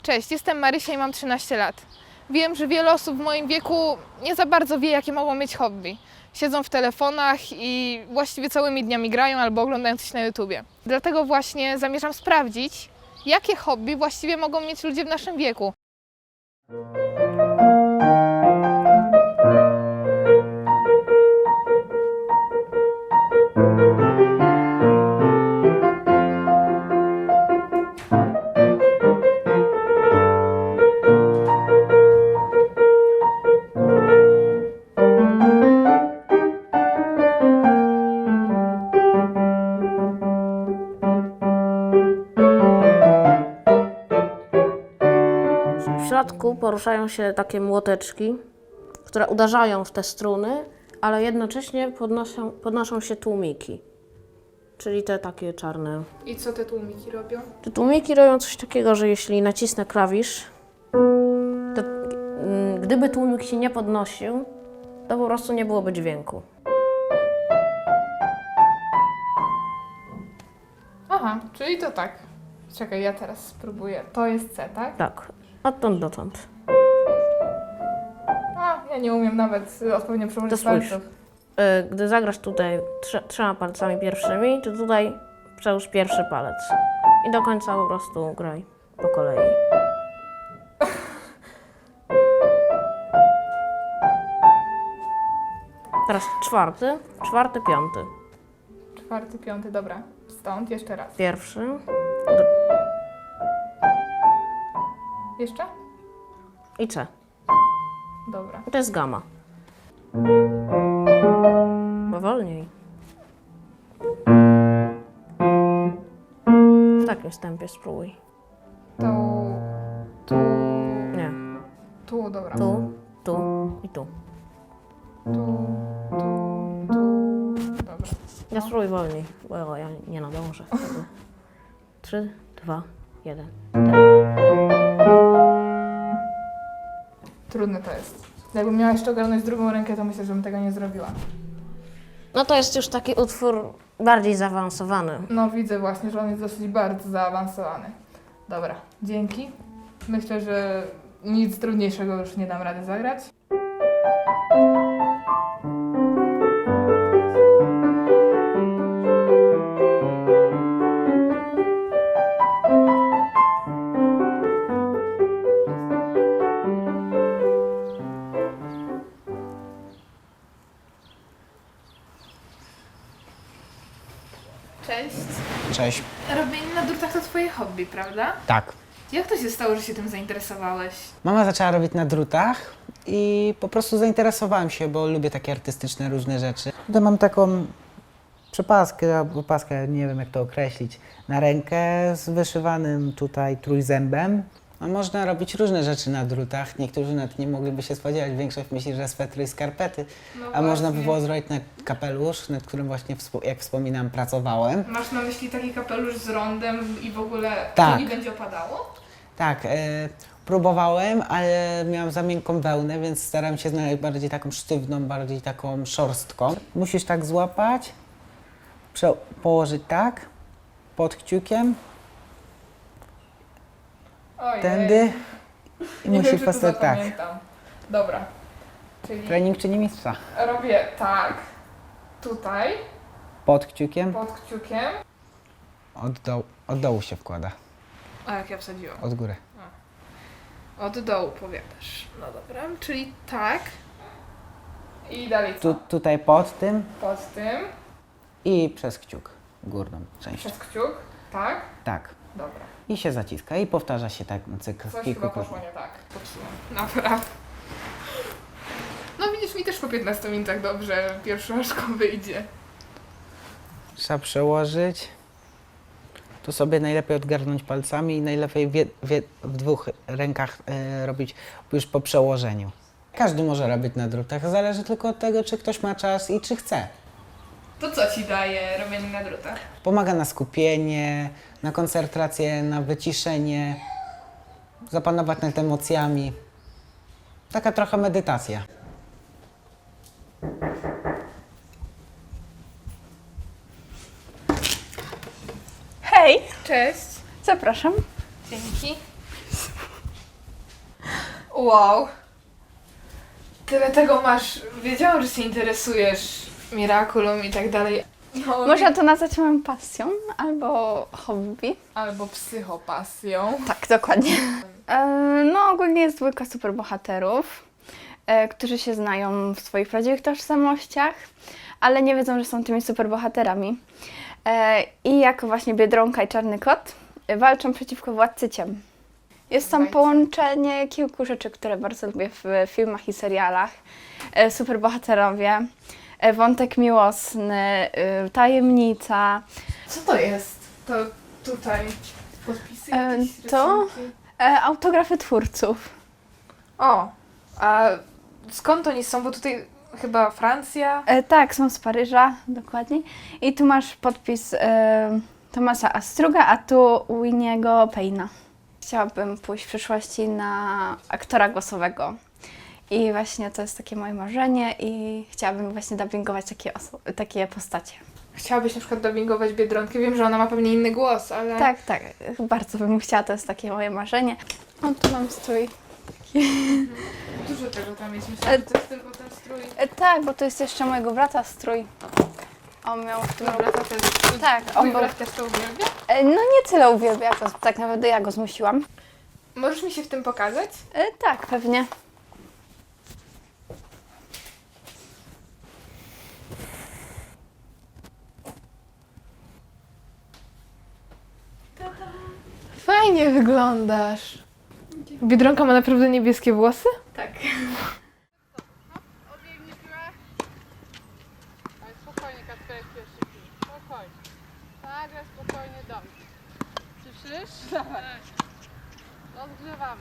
Cześć, jestem Marysia i mam 13 lat. Wiem, że wiele osób w moim wieku nie za bardzo wie, jakie mogą mieć hobby. Siedzą w telefonach i właściwie całymi dniami grają albo oglądają coś na YouTubie. Dlatego właśnie zamierzam sprawdzić, jakie hobby właściwie mogą mieć ludzie w naszym wieku. W środku poruszają się takie młoteczki, które uderzają w te struny, ale jednocześnie podnoszą się tłumiki, czyli te takie czarne. I co te tłumiki robią? Te tłumiki robią coś takiego, że jeśli nacisnę klawisz, to gdyby tłumik się nie podnosił, to po prostu nie byłoby dźwięku. Aha, czyli to tak. Czekaj, ja teraz spróbuję. To jest C, tak? Tak, odtąd dotąd. A, ja nie umiem nawet odpowiednio To przełożyć spójrz. palców. Gdy zagrasz tutaj trzema palcami pierwszymi, to tutaj przełóż pierwszy palec. I do końca po prostu graj po kolei. Teraz czwarty, piąty. Czwarty, piąty, dobra. Stąd, jeszcze raz. Pierwszy, Jeszcze? i C. Dobra. I to jest gama. Powolniej. W takim tempie spróbuj. Tu, Nie. tu, dobra. Tu i tu. Tu. Dobra. Ja spróbuj wolniej, bo ja nie nadążę. 3, 2, 1. Trudne to jest. Jakbym miała jeszcze ogarnąć drugą rękę, to myślę, że bym tego nie zrobiła. No to jest już taki utwór bardziej zaawansowany. No widzę właśnie, że on jest dosyć bardzo zaawansowany. Dobra, dzięki. Myślę, że nic trudniejszego już nie dam rady zagrać. Cześć. Cześć. Robienie na drutach to twoje hobby, prawda? Tak. Jak to się stało, że się tym zainteresowałeś? Mama zaczęła robić na drutach i po prostu zainteresowałem się, bo lubię takie artystyczne różne rzeczy. Tutaj mam taką przepaskę, albo paskę, nie wiem jak to określić, na rękę z wyszywanym tutaj trójzębem. No, można robić różne rzeczy na drutach. Niektórzy nawet nie mogliby się spodziewać. Większość myśli, że swetry i skarpety. No A można by właśnie. było zrobić na kapelusz, nad którym właśnie, jak wspominam, pracowałem. Masz na myśli taki kapelusz z rondem i w ogóle Tak. to nie będzie opadało? Tak, próbowałem, ale miałam za miękką wełnę, więc starałem się znaleźć bardziej taką sztywną, bardziej taką szorstką. Musisz tak złapać, położyć tak, pod kciukiem, Ojej. tędy i Nie musisz wiem, czy to postać tak. zapamiętam. Dobra. Czyli Trening czyni mistrza. robię tak, tutaj, Pod kciukiem, pod kciukiem. od dołu się wkłada, A jak ja wsadziłam? od góry. Od dołu powiadasz. No dobra, czyli tak. I dalej co? Tutaj pod tym Pod tym, i przez kciuk, górną część. przez kciuk, tak? Tak. Dobra. I się zaciska i powtarza się tak na cykl Coś kilku chyba poszło nie tak. Popsułam. Dobra. No widzisz, mi też po 15 minutach dobrze pierwszoszką wyjdzie. Trzeba przełożyć. Tu sobie najlepiej odgarnąć palcami i najlepiej w dwóch rękach robić już po przełożeniu. Każdy może robić na drutach, zależy tylko od tego, czy ktoś ma czas i czy chce. To co ci daje robienie na drutach? Pomaga na skupienie, na koncentrację, na wyciszenie, zapanować nad emocjami. Taka trochę medytacja. Hej, Cześć. zapraszam. Dzięki. Wow. Tyle tego masz. Wiedziałam, że się interesujesz Miraculum i tak dalej. No, Można to nazwać moją pasją albo hobby. albo psychopasją. Tak, dokładnie. No ogólnie jest dwójka superbohaterów, którzy się znają w swoich prawdziwych tożsamościach, ale nie wiedzą, że są tymi superbohaterami. I jako właśnie Biedronka i Czarny Kot walczą przeciwko Władcy Ciem. Jest tam połączenie kilku rzeczy, które bardzo lubię w filmach i serialach. Superbohaterowie, wątek miłosny, tajemnica. Co to jest? To tutaj podpisy jakieś, to? rysunki? Autografy twórców. O, a skąd oni są? Bo tutaj chyba Francja. Tak, są z Paryża, dokładnie. I tu masz podpis Thomasa Astruga, a tu Winniego Payne'a. Chciałabym pójść w przyszłości na aktora głosowego. I właśnie to jest takie moje marzenie i chciałabym właśnie dubbingować takie postacie. Chciałabyś na przykład dubbingować Biedronkę? Wiem, że ona ma pewnie inny głos, ale... Tak, tak, bardzo bym chciała, to jest takie moje marzenie. O, tu mam strój. Dużo tego tam jest. Myślę, że to jest tylko ten strój. Tak, bo to jest jeszcze mojego brata strój. On miał w tym... Dobra, to też. Tak, Twój on był... brat też to uwielbia? No nie tyle uwielbia, to tak naprawdę ja go zmusiłam. Możesz mi się w tym pokazać? Tak, pewnie. Fajnie wyglądasz. Biedronka ma naprawdę niebieskie włosy? Tak. Ale spokojnie, Kacperek pierwszy pij. Spokojnie. Tak, ale spokojnie, dobrze. Słyszysz? Dawaj. Rozgrzewamy.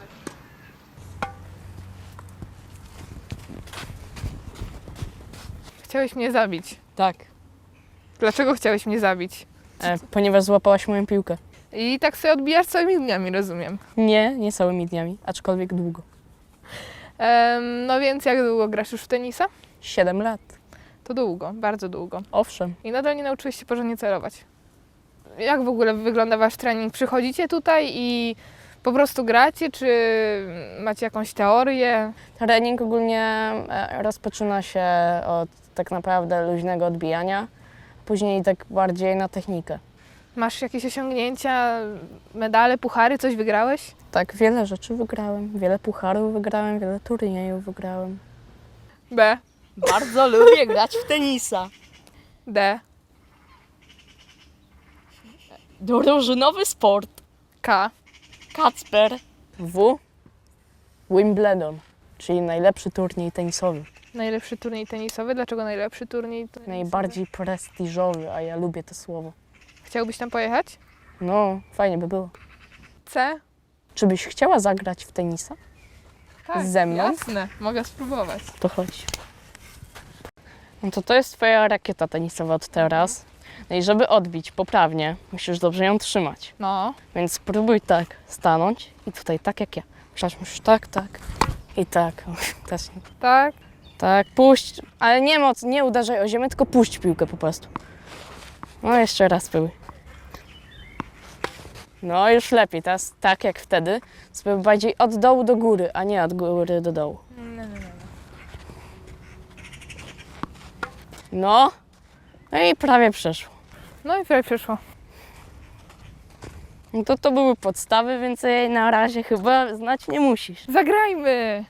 Chciałeś mnie zabić. Tak, Dlaczego chciałeś mnie zabić? ponieważ złapałaś moją piłkę. I tak sobie odbijasz całymi dniami, rozumiem. Nie całymi dniami, aczkolwiek długo. No więc jak długo grasz już w tenisa? 7 lat. To długo, bardzo długo. Owszem. I nadal nie nauczyłeś się porządnie celować. Jak w ogóle wygląda wasz trening? Przychodzicie tutaj i po prostu gracie, czy macie jakąś teorię? Trening ogólnie rozpoczyna się od tak naprawdę luźnego odbijania, później tak bardziej na technikę. Masz jakieś osiągnięcia, medale, puchary, coś wygrałeś? Tak, wiele rzeczy wygrałem, wiele pucharów wygrałem, wiele turniejów wygrałem. B, Bardzo lubię grać w tenisa. D, Drużynowy sport. K. Kacper. W. Wimbledon, czyli najlepszy turniej tenisowy. Najlepszy turniej tenisowy. Dlaczego najlepszy turniej tenisowy? Najbardziej prestiżowy, a ja lubię to słowo. Chciałbyś tam pojechać? No, fajnie by było. C? Czy byś chciała zagrać w tenisa? Tak, Ze mną? jasne. Mogę spróbować. To chodź. No to jest twoja rakieta tenisowa od teraz. No i żeby odbić poprawnie, musisz dobrze ją trzymać. No. Więc spróbuj tak stanąć i tutaj tak jak ja. Musisz tak, tak i tak. Też nie. Tak. Tak, puść, ale nie moc, nie uderzaj o ziemię, tylko puść piłkę po prostu. No jeszcze raz spróbuj. No już lepiej, teraz tak jak wtedy, spróbuj bardziej od dołu do góry, a nie od góry do dołu. No, no i prawie przeszło. No i prawie przyszło. No to były podstawy, więc jej na razie chyba znać nie musisz. Zagrajmy!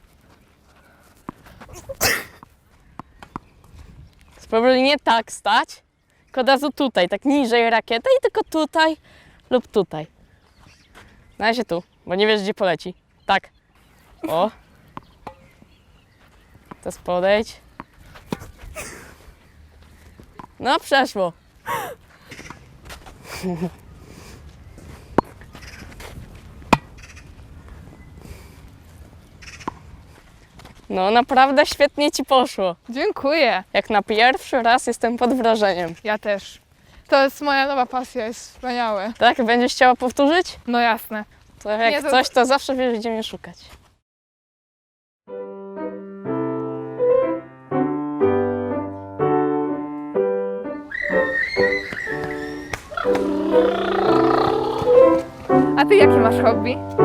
Spróbuj nie tak stać, tylko od razu tutaj, tak niżej rakietę i tylko tutaj lub tutaj. Na razie tu, bo nie wiesz gdzie poleci. Tak. O. Teraz podejdź. No przeszło. No naprawdę świetnie ci poszło. Dziękuję. Jak na pierwszy raz jestem pod wrażeniem. Ja też. To jest moja nowa pasja, jest wspaniałe. Tak? Będziesz chciała powtórzyć? No jasne. To jak Nie, to- coś, to zawsze wiesz, gdzie mnie szukać. A ty jakie masz hobby?